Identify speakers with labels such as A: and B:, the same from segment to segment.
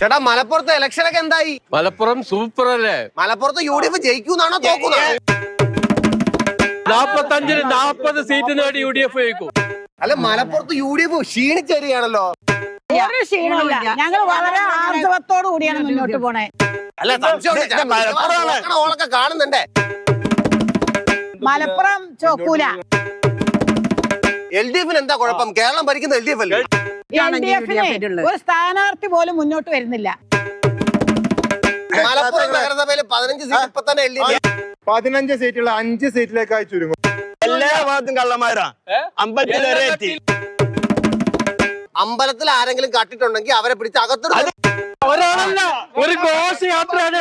A: ചേട്ടാ മലപ്പുറത്തെ ഇലക്ഷൻ ഒക്കെ എന്തായി?
B: മലപ്പുറം സൂപ്പർ അല്ലേ?
A: മലപ്പുറത്ത് UDF ജയിക്കൂന്നാണോ തോക്കുന്നോ?
B: 45-ന് 40 സീറ്റ് നേടി UDF ജയിക്കും.
A: അല്ല മലപ്പുറത്ത് UDF ക്ഷീണിച്ചേരികയാണല്ലോ.
C: ഒരു ക്ഷീണമില്ല, ഞങ്ങൾ വളരെ ആർജവത്തോടു കൂടിയാണ് മുന്നോട്ട് പോണേ.
A: അല്ല ഓളൊക്കെ കാണുന്നുണ്ടേ.
C: മലപ്പുറം ചോക്കൂല.
A: LDF-ന് എന്താ കുഴപ്പം? കേരളം ഭരിക്കുന്ന LDF അല്ലേ?
C: LDF-ന് ഒരു സ്ഥാനാർത്ഥി പോലും മുന്നോട്ട് വരുന്നില്ല.
A: മലപ്പുറം നഗരസഭയിൽ 15 സീറ്റ് ഇപ്പൊ തന്നെ LDF
D: 15 സീറ്റുള്ള 5 സീറ്റിലേക്കായി ചുരുങ്ങും.
E: എല്ലാ ഭാഗത്തും കള്ളന്മാരാ.
A: അമ്പലത്തിൽ ആരെങ്കിലും കട്ടിട്ടുണ്ടെങ്കിൽ അവരെ പിടിച്ച് അകത്തിടും.
B: ഒരാളല്ല, ഒരു ഘോഷയാത്രയാണ്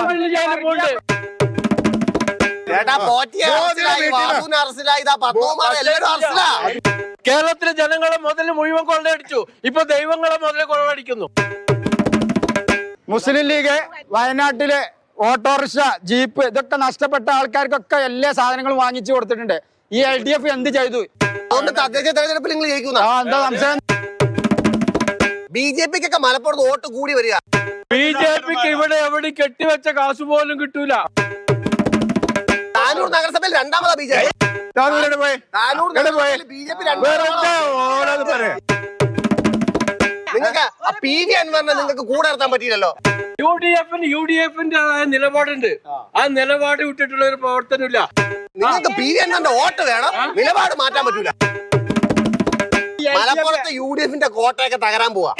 A: ചേട്ടാ പോറ്റിയെ അറസ്റ്റിലായി, വാസുവിനെ അറസ്റ്റിലായി, ഇതാ പത്മകുമാർ എല്ലാവരും അറസ്റ്റിലാ.
B: കേരളത്തിലെ ജനങ്ങളെ മുതൽ മുഴുവൻ കൊള്ളയടിച്ചു. ഇപ്പൊ ദൈവങ്ങളെ മുതൽ കൊള്ളയടിക്കുന്നു.
D: മുസ്ലിം ലീഗ് വയനാട്ടിലെ ഓട്ടോറിക്ഷ, ജീപ്പ് ഇതൊക്കെ നഷ്ടപ്പെട്ട ആൾക്കാർക്കൊക്കെ എല്ലാ സാധനങ്ങളും വാങ്ങിച്ചു കൊടുത്തിട്ടുണ്ട്. ഈ LDF എന്ത് ചെയ്തു?
A: അതുകൊണ്ട് തദ്ദേശ തെരഞ്ഞെടുപ്പിൽ നിങ്ങൾ ജയിക്കുന്ന
D: എന്താ സംശയം?
A: BJP-ക്കൊക്കെ മലപ്പുറത്ത് വോട്ട് കൂടി വരിക.
B: BJP-ക്ക് ഇവിടെ എവിടെ കെട്ടിവെച്ച കാശ് പോലും കിട്ടൂല.
A: താനൂർ നഗരസഭയിൽ രണ്ടാമതാ BJP. താനൂർ നഗരസഭയിൽ BJP രണ്ടാമതാ. നിങ്ങൾക്ക് PV അൻവറിനെ നിങ്ങൾക്ക് കൂടെ നിർത്താൻ പറ്റിയില്ലല്ലോ.
B: UDF-ന്റെ നിലപാടുണ്ട്. ആ നിലപാട് വിട്ടിട്ടുള്ള ഒരു പ്രവർത്തനമില്ല.
A: നിങ്ങൾക്ക് PV അൻവറിന്റെ വോട്ട് വേണം, നിലപാട് മാറ്റാൻ പറ്റൂല. മലപ്പുറത്ത് UDF-ന്റെ കോട്ടയൊക്കെ തകരാൻ പോവാ.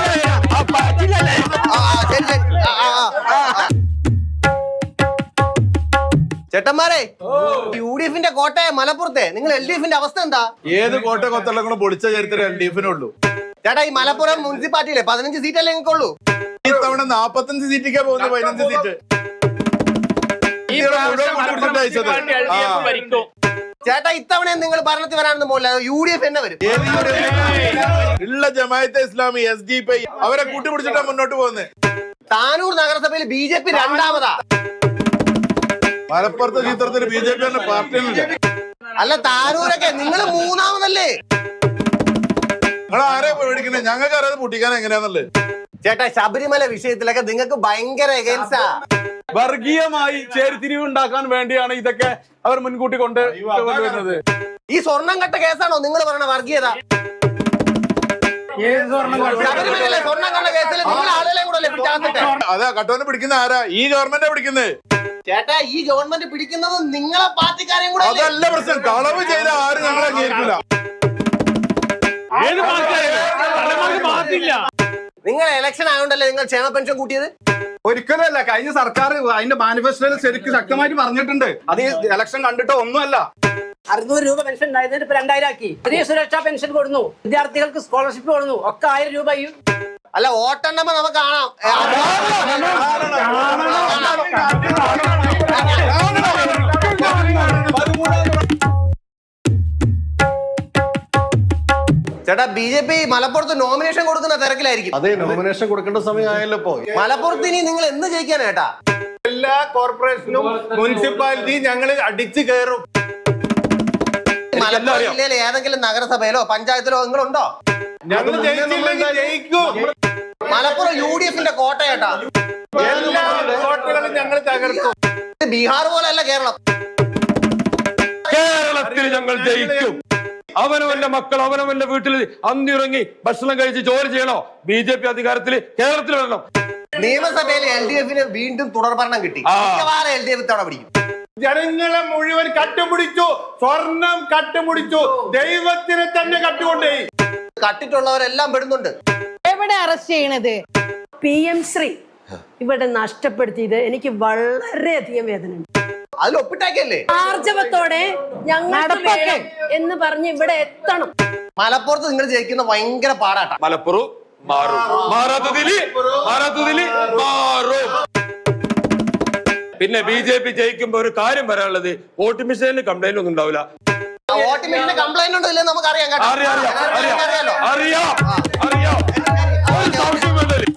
A: ചേട്ടന്മാരെ, UDF-ന്റെ കോട്ടയെ മലപ്പുറത്തെ നിങ്ങൾ LDF-ന്റെ അവസ്ഥ എന്താ?
F: ഏത് കോട്ട കൊത്തളങ്ങളും പൊളിച്ച ചരിത്രം LDF-നുള്ളൂ.
A: ചേട്ടാ ഈ മലപ്പുറം മുനിസിപ്പാലിറ്റിയിലെ 15 സീറ്റല്ലേ നിങ്ങൾക്കുള്ളൂ?
F: ഇത്തവണ 45 സീറ്റിക്കാ പോകുന്നത്. 15 സീറ്റ്
A: ചേട്ടാ ഇത്തവണ നിങ്ങൾ ഭരണത്തിൽ വരാണെന്ന് പോകില്ല, UDF തന്നെ വരും.
F: ഉള്ള ജമാഅത്തെ ഇസ്ലാമി SDP അവരെ കൂട്ടിപ്പിടിച്ചിട്ടാ മുന്നോട്ട് പോകുന്നത്.
A: താനൂർ നഗരസഭയിൽ BJP രണ്ടാമതാ.
F: മലപ്പുറത്തെ ചിത്രത്തിന് BJP തന്നെ പാർട്ടിയില്ല.
A: അല്ല താനൂരൊക്കെ നിങ്ങൾ മൂന്നാമതല്ലേ?
F: നിങ്ങൾ ആരെയാ പേടിക്കുന്നത്? ഞങ്ങൾക്ക് അറിയാതെ പൊട്ടിക്കാൻ എങ്ങനെയാന്നല്ലേ?
A: ചേട്ടാ ശബരിമല വിഷയത്തിലൊക്കെ നിങ്ങൾക്ക് ഭയങ്കര എഗൻസ്റ്റാ.
G: വർഗീയമായി ചേരിതിരിവ് ഉണ്ടാക്കാൻ വേണ്ടിയാണ് ഇതൊക്കെ അവർ മുൻകൂട്ടി കൊണ്ടുവരുന്നത്.
A: ഈ സ്വർണം കട്ട കേസാണോ നിങ്ങൾ പറയണ വർഗീയത? ശബരിമലയിലെ സ്വർണം കണ്ട കേസിൽ നിങ്ങൾ ആളുകളെ കൂടെ പിടിച്ചാന്നിട്ട്.
F: അതെ, കട്ടോനെ പിടിക്കുന്ന ആരാ? ഈ ഗവൺമെന്റാ പിടിക്കുന്നത്.
A: ചേട്ടാ ഈ ഗവൺമെന്റ് പിടിക്കുന്നത് നിങ്ങളെ പാർട്ടിക്കാരെയും കൂടെ.
F: അതല്ല പ്രശ്നം. കളവ് ചെയ്ത ആരും ഞങ്ങളെ അംഗീകരിക്കില്ല.
A: നിങ്ങൾ ഇലക്ഷൻ ആയതുകൊണ്ടല്ലേ നിങ്ങൾ ക്ഷേമ പെൻഷൻ കൂട്ടിയത്?
G: ഒരിക്കലല്ല, കഴിഞ്ഞ സർക്കാർ അതിന്റെ മാനിഫെസ്റ്റോയിൽ ശരിക്കും ശക്തമായിട്ട് പറഞ്ഞിട്ടുണ്ട്. അത് ഇലക്ഷൻ കണ്ടിട്ടോ ഒന്നുമല്ല.
H: 600 രൂപ പെൻഷൻ ഉണ്ടായിരുന്നത് ഇപ്പൊ 2000 ആക്കി. പുതിയ സുരക്ഷാ പെൻഷൻ കൊടുന്നു, വിദ്യാർത്ഥികൾക്ക് സ്കോളർഷിപ്പ് കൊടുന്നു, ഒക്കെ 1000 രൂപ.
A: അല്ല വോട്ടെണ്ണുമ്പോ നമുക്ക് കാണാം. ചേട്ടാ BJP മലപ്പുറത്ത് നോമിനേഷൻ കൊടുക്കുന്ന തിരക്കിലായിരിക്കും.
D: അതെ, നോമിനേഷൻ കൊടുക്കേണ്ട സമയമായല്ലോ. ഇപ്പോ
A: മലപ്പുറത്ത് ഇനി നിങ്ങൾ എന്ന് ജയിക്കാനേട്ടാ?
D: എല്ലാ കോർപ്പറേഷനും മുനിസിപ്പാലിറ്റിയും ഞങ്ങൾ അടിച്ചു കയറും.
A: മലപ്പുറം ജില്ലയിലെ ഏതെങ്കിലും നഗരസഭയിലോ പഞ്ചായത്തിലോ നിങ്ങളുണ്ടോ?
D: ഞങ്ങൾ ജയിക്കും.
A: മലപ്പുറം UDF-ന്റെ കോട്ടയേട്ടാ.
D: എല്ലാ കോട്ടകളും ഞങ്ങൾ തകർക്കും.
A: ബീഹാർ പോലെയല്ല കേരളം.
B: കേരളത്തിൽ ഞങ്ങൾ ജയിക്കും. അവനവന്റെ മക്കൾ അവനവന്റെ വീട്ടിൽ അന്നിറങ്ങി ഭക്ഷണം കഴിച്ച് ജോലി ചെയ്യണോ? BJP അധികാരത്തിൽ കേരളത്തിൽ വരണം.
A: നിയമസഭയിൽ LDF-ന് വീണ്ടും തുടർഭരണം കിട്ടി. മിക്കവാറും LDF തവണ പിടിക്കും.
D: ജനങ്ങളെ മുഴുവൻ കട്ടുപിടിച്ചു, സ്വർണം കട്ടുപിടിച്ചു, ദൈവത്തിനെ തന്നെ കട്ടുകൊണ്ടേ.
A: കട്ടിട്ടുള്ളവരെല്ലാം പെടുന്നുണ്ട്.
C: എവിടെ അറസ്റ്റ് ചെയ്യണത്?
H: PM ശ്രീ ഇവിടെ നഷ്ടപ്പെടുത്തിയത് എനിക്ക് വളരെയധികം വേദനയുണ്ട്.
A: അതിൽ ഒപ്പിട്ടാക്കിയല്ലേ?
H: ആർജവത്തോടെ ഞങ്ങൾ എന്ന് പറഞ്ഞ് ഇവിടെ എത്തണം.
A: മലപ്പുറത്ത് നിങ്ങൾ ജയിക്കുന്ന ഭയങ്കര പാടാട്ടാ.
B: മലപ്പുറം മാറും. മാറാത്തതില് മാറും. പിന്നെ BJP ജയിക്കുമ്പോ ഒരു കാര്യം പറയാനുള്ളത്, വോട്ട് മെഷീനിൽ കംപ്ലൈന്റ് ഒന്നും ഉണ്ടാവില്ല.
A: വോട്ട് മെഷീനിൽ കംപ്ലൈന്റ് ഉണ്ടോ ഇല്ലെന്ന് നമുക്ക് അറിയാം.
B: അറിയാം.